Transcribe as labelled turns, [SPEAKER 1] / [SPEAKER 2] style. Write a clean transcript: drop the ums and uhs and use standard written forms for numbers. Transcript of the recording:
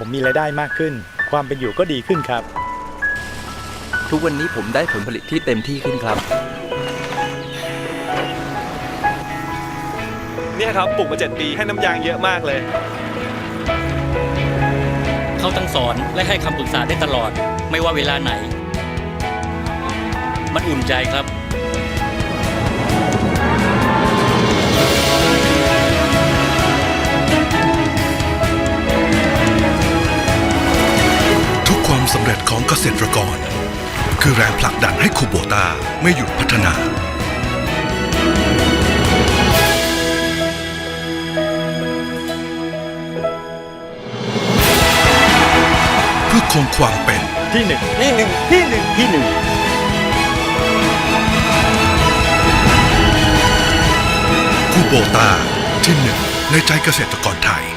[SPEAKER 1] ผมมีรายได้มากขึ้น ความเป็นอยู่ก็ดีขึ้นครับ
[SPEAKER 2] ทุกวันนี้ผมได้ผลผลิตที่เต็มที่ขึ้นครับ
[SPEAKER 3] เนี่ยครับปลูกมา7 ปีให้น้ำยางเยอะมากเลย
[SPEAKER 4] เขาทั้งสอนและให้คำปรึกษาได้ตลอด ไม่ว่าเวลาไหน มันอุ่นใจครับ
[SPEAKER 5] ทุกความสำเร็จของเกษตรกร คือแรงผลักดันให้คูโบต้าไม่หยุดพัฒนา เพื่อคงความเป็น
[SPEAKER 1] ที่หนึ่ง
[SPEAKER 5] คูโบต้าที่หนึ่งในใจเกษตรกรไทย